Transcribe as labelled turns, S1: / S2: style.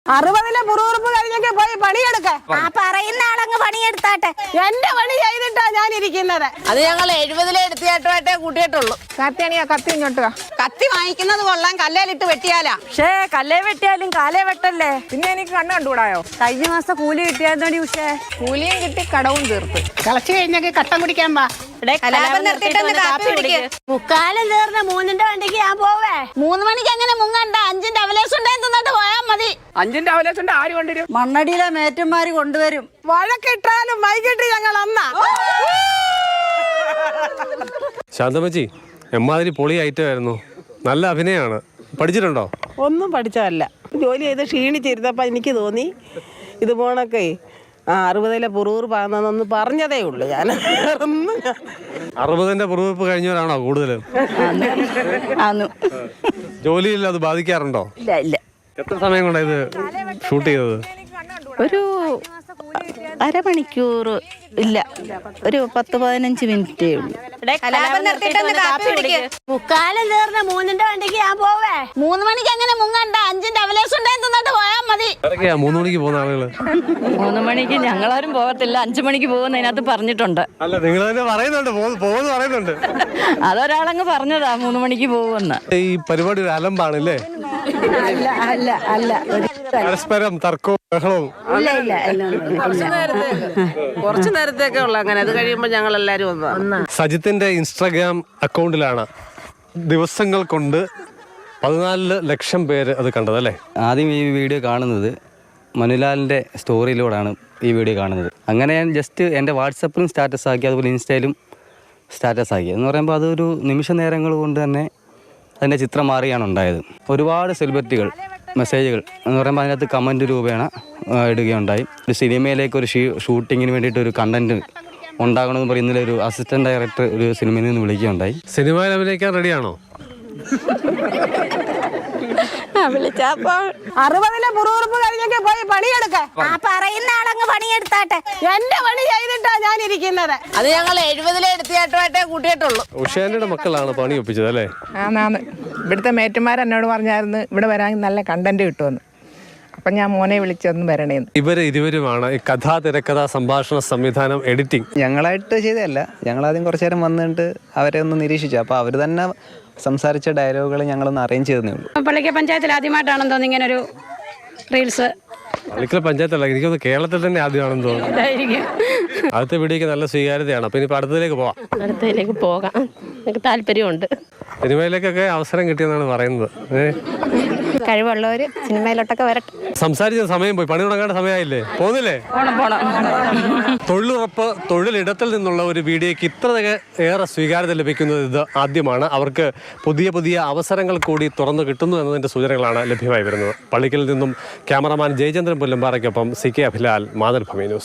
S1: 60-ലെ പുറവുറുപ്പ് കഴിഞ്ഞൊക്കെ പോയി പണിയെടുക്ക.
S2: ആ പറയുന്ന ആളങ്ങ് പണിയെടുത്താട്ടെ.
S1: എന്റെ പണി ചെയ്തിട്ടാ ഞാൻ ഇരിക്കുന്നത്.
S3: അത് ഞങ്ങൾ 70-ലെ എടുത്തിയായിട്ടുമായിട്ടേ കൂട്ടിയിട്ടുള്ളൂ.
S4: കത്തിയാണിയാ കത്തി ഇങ്ങോട്ട് വാ.
S3: കത്തി വാങ്ങിക്കുന്നത് കൊള്ളാൻ, കല്ലേലിട്ട് വെട്ടിയാലാ.
S1: പക്ഷേ കല്ലേ വെട്ടിയാലും കാലേ വെട്ടല്ലേ.
S4: പിന്നെ എനിക്ക് കണ്ണ് കണ്ടുകൂടായോ?
S1: കഴിഞ്ഞ മാസം കൂലി കിട്ടിയാൽ പക്ഷേ
S4: കൂലിയും കിട്ടി കടവും തീർത്ത്.
S1: കളച്ച് കഴിഞ്ഞൊക്കെ കട്ടം കുടിക്കാൻ പാ.
S3: കലാപം നിർത്തിയിട്ടൊന്ന് കാപ്പി കുടിക്ക്.
S2: മുക്കാലും തീർന്ന് 3-ന്റെ വണ്ടിക്ക് ഞാൻ പോവേ. 3 മണിക്ക് അങ്ങനെ മുങ്ങണ്ട. 5-ന്റെ അവലേസും തിന്നിട്ട് പോയാ മതി.
S4: 5-ന്റെ അവലേസുണ്ട് ആര് കൊണ്ടുവരും?
S1: മണ്ണടിയിലെ മേറ്റന്മാര് കൊണ്ടുവരും. വഴക്കിട്ടാലും വൈകിട്ട് ഞങ്ങൾ അന്നാ.
S5: ശാന്തമ്മച്ചി, എമ്മാതിരി പൊളി ഐറ്റമായിരുന്നു. നല്ല അഭിനയമാണ്. പഠിച്ചിട്ടുണ്ടോ?
S1: ഒന്നും പഠിച്ചതല്ല. ജോലി ചെയ്ത് ക്ഷീണിച്ചിരുന്നപ്പോൾ എനിക്ക് തോന്നി ഇത് പോണൊക്കെ 60-ലെ പുറൂറ് പാകുന്നൊന്ന് പറഞ്ഞതേ ഉള്ളൂ. ഞാൻ
S5: 60-ന്റെ പുറവെപ്പ് കഴിഞ്ഞവരാണോ കൂടുതലും? ജോലിയിൽ അത് ബാധിക്കാറുണ്ടോ?
S1: ഇല്ല ഇല്ല.
S5: എത്ര സമയം കൊണ്ടാണ് ഇത് ഷൂട്ട് ചെയ്തത്?
S6: ഒരു അരമണിക്കൂർ ഇല്ല, ഒരു 10-15 മിനിറ്റേ ഉള്ളൂ.
S3: കലാപം നിർത്തിയിട്ടൊന്ന് കാപ്പി കുടിക്ക്.
S2: മുക്കാലും തീർന്ന് 3-ന്റെ വണ്ടിക്ക് ഞാൻ പോവേ. 3 മണിക്ക് അങ്ങനെ മുങ്ങണ്ട. 5-ന്റെ അവലേസും തിന്നിട്ട് പോയാ മതി.
S5: 3 മണിക്ക് പോകുന്ന ആളുകള്
S6: 3 മണിക്ക് ഞങ്ങളാരും പോകത്തില്ല, 5 മണിക്ക് പോകുന്നതിനകത്ത് പറഞ്ഞിട്ടുണ്ട്.
S5: അല്ല, നിങ്ങൾ തന്നെ പറയുന്നുണ്ട്, പോകുന്നു പറയുന്നുണ്ട്.
S6: അതൊരാളങ്ങ് പറഞ്ഞതാ 3 മണിക്ക് പോകുമെന്ന്.
S5: ഈ പരിപാടി ഒരു അലമ്പാണല്ലേ?
S6: അല്ല അല്ല അല്ല,
S5: പരസ്പരം തർക്കവും ബഹളവും.
S3: കുറച്ചു നേരത്തേക്കേ ഉള്ളു അങ്ങനെ. അത് കഴിയുമ്പോ ഞങ്ങൾ എല്ലാരും ഒന്ന്
S5: സജിത്തിന്റെ ഇൻസ്റ്റാഗ്രാം അക്കൗണ്ടിലാണ് ദിവസങ്ങൾ കൊണ്ട് 14 ലക്ഷം പേര് അത് കണ്ടതല്ലേ?
S7: ആദ്യം ഈ വീഡിയോ കാണുന്നത് മനുലാലിൻ്റെ സ്റ്റോറിയിലൂടെയാണ് ഈ വീഡിയോ കാണുന്നത്. അങ്ങനെ ഞാൻ ജസ്റ്റ് എൻ്റെ വാട്സപ്പിലും സ്റ്റാറ്റസ് ആക്കി, അതുപോലെ ഇൻസ്റ്റയിലും സ്റ്റാറ്റസ് ആക്കി. എന്ന് പറയുമ്പോൾ അതൊരു നിമിഷ നേരങ്ങൾ കൊണ്ട് തന്നെ അതിൻ്റെ ചിത്രം മാറിയാണ് ഉണ്ടായത്. ഒരുപാട് സെലിബ്രിറ്റികൾ മെസ്സേജുകൾ എന്ന് പറയുമ്പോൾ അതിനകത്ത് കമൻറ്റ് രൂപേണ ഇടുകയുണ്ടായി. ഒരു സിനിമയിലേക്ക് ഒരു ഷൂട്ടിങ്ങിന് വേണ്ടിയിട്ട് ഒരു കണ്ടൻറ്റ് ഉണ്ടാകണമെന്ന് പറയും. ഇന്നലെ ഒരു അസിസ്റ്റൻറ്റ് ഡയറക്ടർ ഒരു സിനിമയിൽ നിന്ന് വിളിക്കുകയുണ്ടായി.
S5: സിനിമയിൽ അഭിനയിക്കാൻ റെഡിയാണോ?
S1: 60-ലെ പുറവുറുപ്പ് കഴിഞ്ഞൊക്കെ പോയി പണിയെടുക്ക.
S2: ആ പറയുന്ന ആളങ്ങ് പണിയെടുത്താട്ടെ.
S1: എന്റെ പണി ചെയ്തിട്ടാ ഞാൻ ഇരിക്കുന്നത്.
S3: അത് ഞങ്ങൾ 70-ലെ എടുത്തിയായിട്ടുമായിട്ടേ കൂട്ടിയിട്ടുള്ളൂ.
S5: ഉഷേന്റെ മക്കളാണ് പണി ഒപ്പിച്ചത് അല്ലേ?
S4: ആന്നാന്ന്. ഇവിടുത്തെ മേറ്റുമാർ എന്നോട് പറഞ്ഞായിരുന്നു ഇവിടെ വരാൻ നല്ല കണ്ടന്റ് കിട്ടുമെന്ന്. അപ്പം ഞാൻ മോനെ വിളിച്ചൊന്ന് വരണേന്ന്.
S5: ഇരുവരുമാണ് ഈ കഥാ, തിരക്കഥ, സംഭാഷണ, സംവിധാനം, എഡിറ്റിംഗ്.
S7: ഞങ്ങളായിട്ട് ചെയ്തതല്ല. ഞങ്ങളാദ്യം കുറച്ച് നേരം വന്നിട്ട് അവരെ ഒന്ന് നിരീക്ഷിച്ചു. അപ്പോൾ അവർ തന്നെ സംസാരിച്ച ഡയലോഗുകൾ ഞങ്ങളൊന്ന് അറേഞ്ച് ചെയ്തേ ഉള്ളൂ.
S8: പള്ളിക്കൽ പഞ്ചായത്തിൽ ആദ്യമായിട്ടാണെന്ന് തോന്നുന്നു ഇങ്ങനൊരു റീൽസ്.
S5: പള്ളിക്കൽ പഞ്ചായത്തല്ല, എനിക്കൊന്ന് കേരളത്തിൽ തന്നെ ആദ്യമാണെന്ന് തോന്നുന്നു. അടുത്ത വീഡിയോക്ക് നല്ല സ്വീകാര്യതയാണ്. അപ്പൊ ഇനിയിപ്പോൾ അടുത്തതിലേക്ക്
S8: പോകാം. എനിക്ക് താല്പര്യമുണ്ട്.
S5: സിനിമയിലേക്കൊക്കെ അവസരം കിട്ടിയെന്നാണ് പറയുന്നത്.
S8: കഴിവുള്ളവർ സിനിമയിലോട്ടൊക്കെ വരട്ടെ.
S5: സംസാരിച്ച സമയം പോയി, പണി തുടങ്ങേണ്ട സമയമായില്ലേ? പോകുന്നില്ലേ? തൊഴിലുറപ്പ്, തൊഴിലിടത്തിൽ നിന്നുള്ള ഒരു വീഡിയോയ്ക്ക് ഇത്ര ഏറെ സ്വീകാര്യത ലഭിക്കുന്നത് ഇത് ആദ്യമാണ്. അവർക്ക് പുതിയ പുതിയ അവസരങ്ങൾ കൂടി തുറന്നു കിട്ടുന്നു എന്നതിൻ്റെ സൂചനകളാണ് ലഭ്യമായി വരുന്നത്. പള്ളിക്കലിൽ നിന്നും ക്യാമറമാൻ ജയചന്ദ്രൻ പുല്ലമ്പാറയ്ക്കൊപ്പം CK അഭിലാൽ, മാതൃഭൂമി ന്യൂസ്.